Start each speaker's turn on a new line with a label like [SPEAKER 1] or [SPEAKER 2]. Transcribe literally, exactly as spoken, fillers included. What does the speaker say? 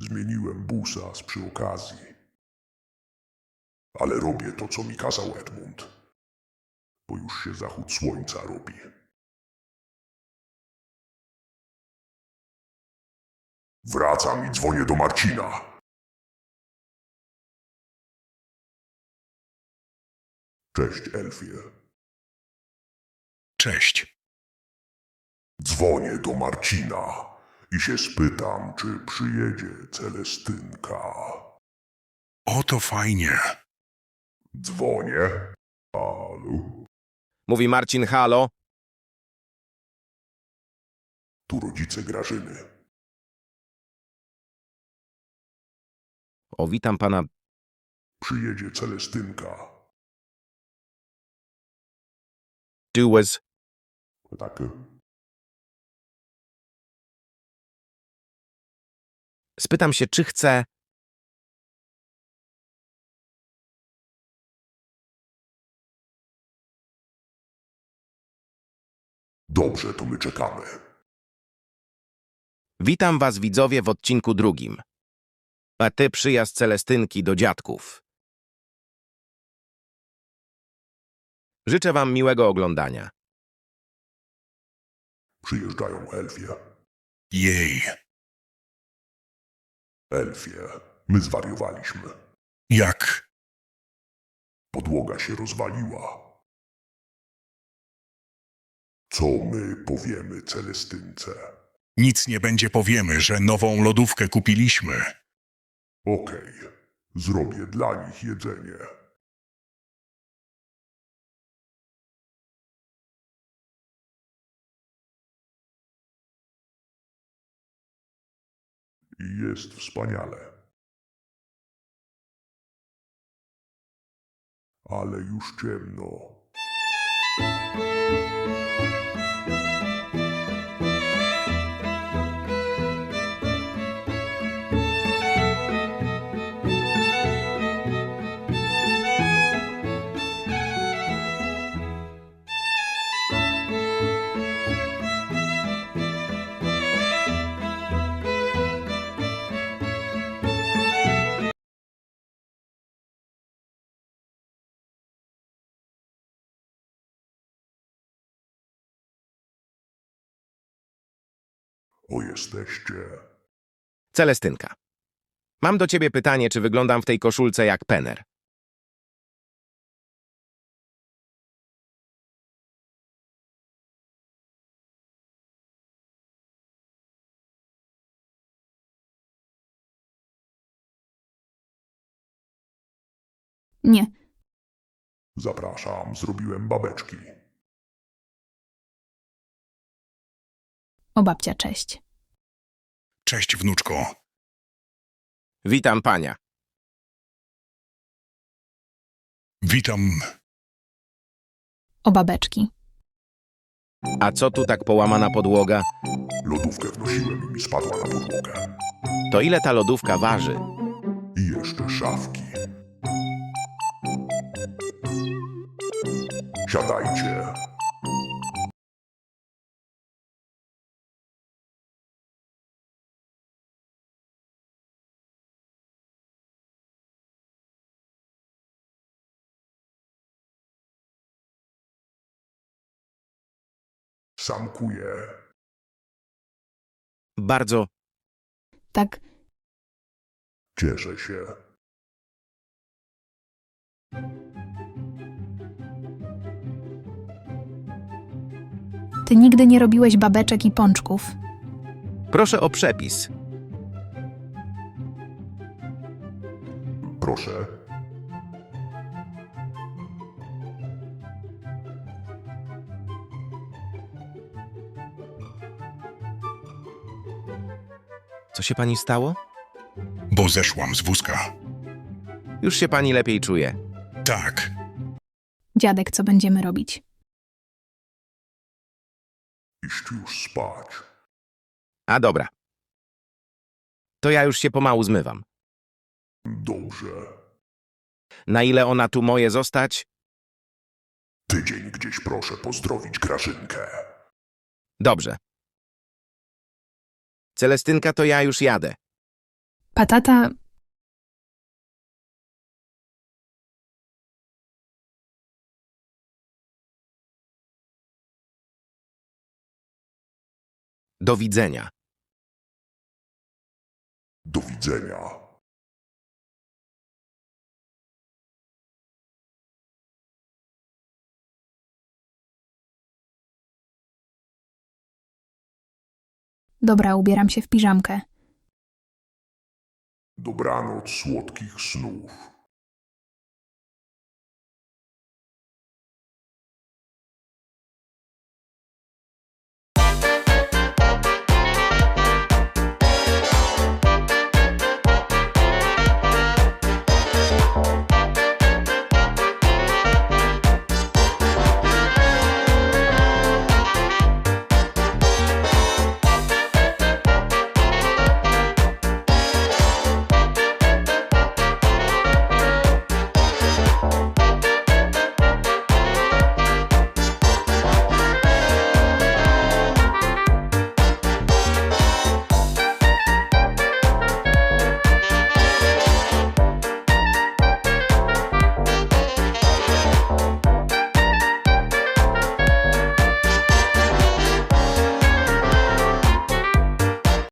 [SPEAKER 1] zmieniłem busa z przy okazji. Ale robię to, co mi kazał Edmund, bo już się zachód słońca robi. Wracam i dzwonię do Marcina. Cześć, Elfie.
[SPEAKER 2] Cześć.
[SPEAKER 1] Dzwonię do Marcina i się spytam, czy przyjedzie Celestynka.
[SPEAKER 2] O, to fajnie.
[SPEAKER 1] Dzwonię. Halo?
[SPEAKER 3] Mówi Marcin, halo.
[SPEAKER 1] Tu rodzice Grażyny.
[SPEAKER 3] O, witam pana.
[SPEAKER 1] Przyjedzie Celestynka.
[SPEAKER 3] Tu was...
[SPEAKER 1] Tak.
[SPEAKER 3] Spytam się, czy chce...
[SPEAKER 1] Dobrze, to my czekamy.
[SPEAKER 3] Witam was, widzowie, w odcinku drugim. A ty przyjazd Celestynki do dziadków. Życzę wam miłego oglądania.
[SPEAKER 1] Przyjeżdżają Elfie.
[SPEAKER 2] Jej.
[SPEAKER 1] Elfie, my zwariowaliśmy.
[SPEAKER 2] Jak?
[SPEAKER 1] Podłoga się rozwaliła. Co my powiemy Celestynce?
[SPEAKER 2] Nic nie będzie, powiemy, że nową lodówkę kupiliśmy.
[SPEAKER 1] Okej, zrobię dla nich jedzenie. I jest wspaniale. Ale już ciemno. O, jesteście.
[SPEAKER 3] Celestynka. Mam do ciebie pytanie, czy wyglądam w tej koszulce jak Penner?
[SPEAKER 4] Nie,
[SPEAKER 1] Zapraszam, zrobiłem babeczki.
[SPEAKER 4] o babcia, cześć.
[SPEAKER 2] Cześć, wnuczko.
[SPEAKER 3] Witam pania.
[SPEAKER 2] Witam.
[SPEAKER 4] O babeczki.
[SPEAKER 3] A co tu tak połamana podłoga?
[SPEAKER 1] Lodówkę wnosiłem i mi spadła na podłogę.
[SPEAKER 3] To ile ta lodówka waży?
[SPEAKER 1] I jeszcze szafki. Siadajcie. Samkuję.
[SPEAKER 3] Bardzo.
[SPEAKER 4] Tak,
[SPEAKER 1] Cieszę się.
[SPEAKER 4] ty nigdy nie robiłeś babeczek i pączków.
[SPEAKER 3] Proszę o przepis.
[SPEAKER 1] Proszę.
[SPEAKER 3] Co się pani stało?
[SPEAKER 2] Bo zeszłam z wózka.
[SPEAKER 3] Już się pani lepiej czuje.
[SPEAKER 2] Tak.
[SPEAKER 4] Dziadek, co będziemy robić?
[SPEAKER 1] Iść już spać.
[SPEAKER 3] A dobra. To ja już się pomału zmywam.
[SPEAKER 1] Dobrze.
[SPEAKER 3] Na ile ona tu moje zostać?
[SPEAKER 1] Tydzień gdzieś proszę pozdrowić Grażynkę.
[SPEAKER 3] Dobrze. Celestynka, to ja już jadę.
[SPEAKER 4] Patata...
[SPEAKER 3] Do widzenia.
[SPEAKER 1] Do widzenia.
[SPEAKER 4] Dobra, ubieram się w piżamkę.
[SPEAKER 1] Dobranoc słodkich snów.